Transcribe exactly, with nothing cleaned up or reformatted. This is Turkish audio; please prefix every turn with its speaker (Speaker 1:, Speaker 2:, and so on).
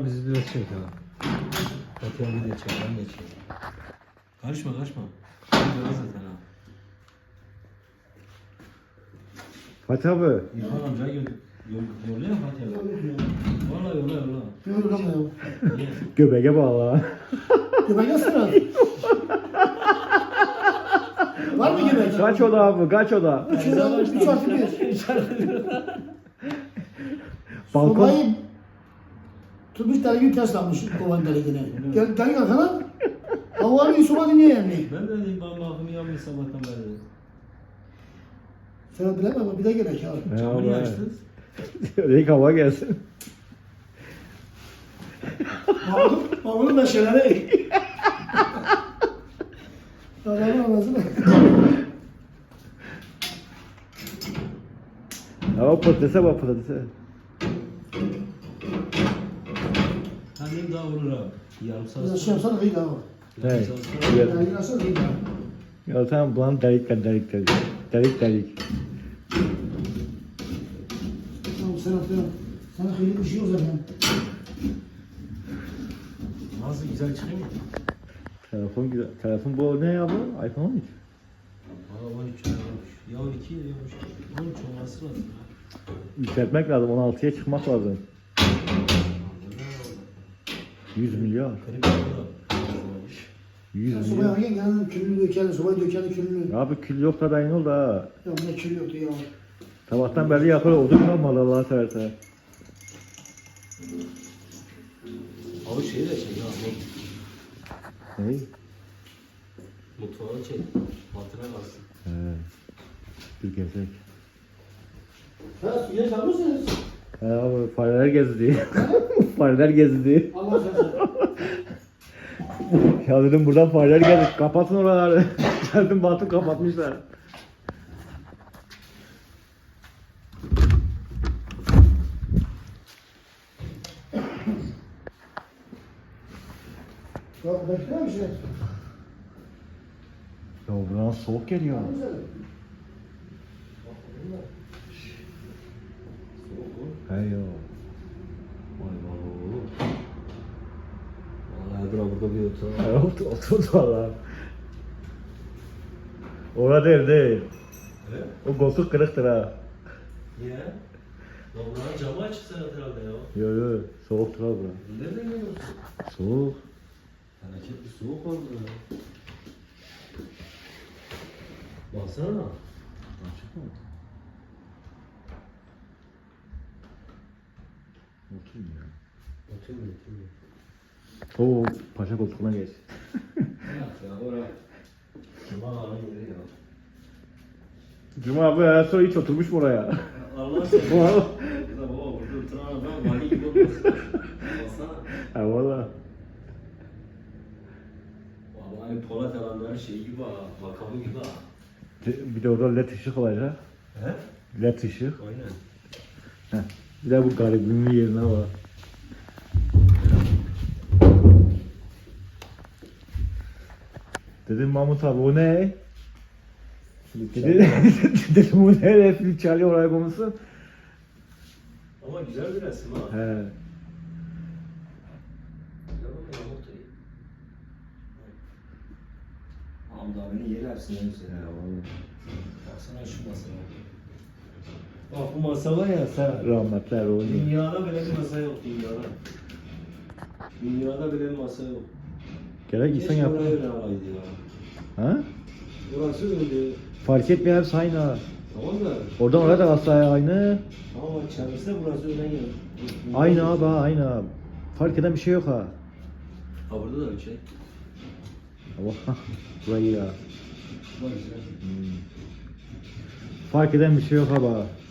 Speaker 1: abi bizi biraz çek ha. Fatih abi de çek, ben de çek. Karışma karışma. Böyle zaten ha.
Speaker 2: Fatih abi.
Speaker 1: İrfan amca gö yol yolluyor Fatih abi. Valla yolla yolla.
Speaker 3: Yorulmuyor.
Speaker 1: Niye?
Speaker 2: Göbeğe bağla.
Speaker 3: Göbek yazsana. Var mı göbek?
Speaker 2: Kaç oda abi? Kaç oda?
Speaker 3: Üç oda, üç artı bir.
Speaker 2: Balkon.
Speaker 3: Sobayı tutmuş dergi taslanmış kovan dergine. Gel dergi arkana. Hava bir soba dinliyor yani.
Speaker 1: Ben de dedim ben bakımı yapmış sabahtan beri.
Speaker 3: Sen bilemem ama bir de gerek ya.
Speaker 1: Camı niye açtınız?
Speaker 2: Renk hava gelsin.
Speaker 3: Bağlı, bağlı meşeleri. Allah'ın anasını.
Speaker 2: Ya patatese bak patatese.
Speaker 1: Annem daha vurur abi. Yarım saat
Speaker 3: Biraz şey yapsana kıyı daha.
Speaker 2: Hey.
Speaker 1: Yarım saat sonra.
Speaker 2: Evet.
Speaker 3: Dergi nasıl kıyı daha?
Speaker 2: Ya tamam bulan delik delik delik delik. Delik delik.
Speaker 3: Tamam sen atıyorum. Sana kıyı bir şey o zaman.
Speaker 1: Nasıl güzel çıkıyor mu?
Speaker 2: Telefon güzel. Telefon bu ne ya bu? iPhone on üç.
Speaker 1: Valla on üç olmuş. Ya on iki diyormuş. on üç olması lazım ya.
Speaker 2: Yükseltmek lazım. on altıya çıkmak lazım. yüz milyar.
Speaker 1: Garip oldu.
Speaker 2: yüz
Speaker 3: Sobaya
Speaker 2: milyar.
Speaker 3: hangi geldi? Külünü dökelim, sobayı dökelim külünü.
Speaker 2: Abi kül yok da ben ol da.
Speaker 3: Ya ne kül yoktu ya.
Speaker 2: Sabahtan beri yakar oldu kalmadı Allah'a seversen.
Speaker 1: Abi şeyi de çek ya.
Speaker 2: Ne?
Speaker 1: Mutfağı çek. Altına kalsın.
Speaker 2: He. Bir gezek.
Speaker 3: Ha suya çalmışsınız.
Speaker 2: He abi fareler gezdi. Fareler gezdi.
Speaker 3: Allah şaşırdı.
Speaker 2: Ya dedim buradan fareler geldi. Kapatın oraları. Geldim baktım kapatmışlar.
Speaker 3: Ya bekler misin?
Speaker 2: Ya buradan soğuk geliyor. He ya.
Speaker 1: Vay vay. Vallahi dur burada bir otur.
Speaker 2: He otur otur valla. Orada değil değil.
Speaker 1: Evet.
Speaker 2: O koltuk kırıktır ha.
Speaker 1: Niye? Ya buranın camı açık sen herhalde ya.
Speaker 2: Yo yo soğuktur abi bura.
Speaker 1: Nereden geliyorsun?
Speaker 2: Soğuk.
Speaker 1: Felaket bir soğuk var burada. Baksana.
Speaker 2: Açık mı? Oturayım ya.
Speaker 1: Oturmuyor, oturmuyor.
Speaker 2: Oo paşa koltuğuna geç.
Speaker 1: Yok ya, oraya. Cuma ağanın yeri ya.
Speaker 2: Cuma abi her sonra hiç oturmuş mu oraya?
Speaker 1: Allah seni.
Speaker 2: Valla.
Speaker 1: Ya baba burada oturan adam vali gibi olmasın. Baksana.
Speaker 2: Ha valla.
Speaker 1: Vallahi Polat alanların şeyi gibi ha, makamı gibi ha.
Speaker 2: Bir de orada led ışık olacak.
Speaker 1: He?
Speaker 2: Led ışık.
Speaker 1: Aynen.
Speaker 2: Heh. Bir de bu garibimin yerine var. Dedim Mahmut abi o ne? Dedi, dedim bu ne? Flüt çalıyor oraya konusu.
Speaker 1: Ama güzel bir resim ha.
Speaker 2: He.
Speaker 1: Güzel bakın Mahmut Bey. Hamdi abinin yeri hepsinden güzel ya. Baksana şu masaya. Bak bu masa var ya sen.
Speaker 2: Rahmetler o.
Speaker 1: Dünyada bile bir masa yok dünyada. Dünyada bile bir masa yok.
Speaker 2: Gerek insan
Speaker 1: Keşke
Speaker 2: yapar.
Speaker 1: oraya öyle alaydı ya.
Speaker 2: Ha?
Speaker 1: Burası öyle.
Speaker 2: Fark etmiyor hepsi aynı ha.
Speaker 1: Tamam da.
Speaker 2: Oradan oraya da hastaya aynı.
Speaker 1: Ama çevresi burası öyle yok.
Speaker 2: Aynı abi ha, aynı abi. Fark eden bir şey yok ha.
Speaker 1: Ha burada da bir şey.
Speaker 2: Allah burayı ya.
Speaker 1: Var güzel.
Speaker 2: Hmm. Fark eden bir şey yok abi.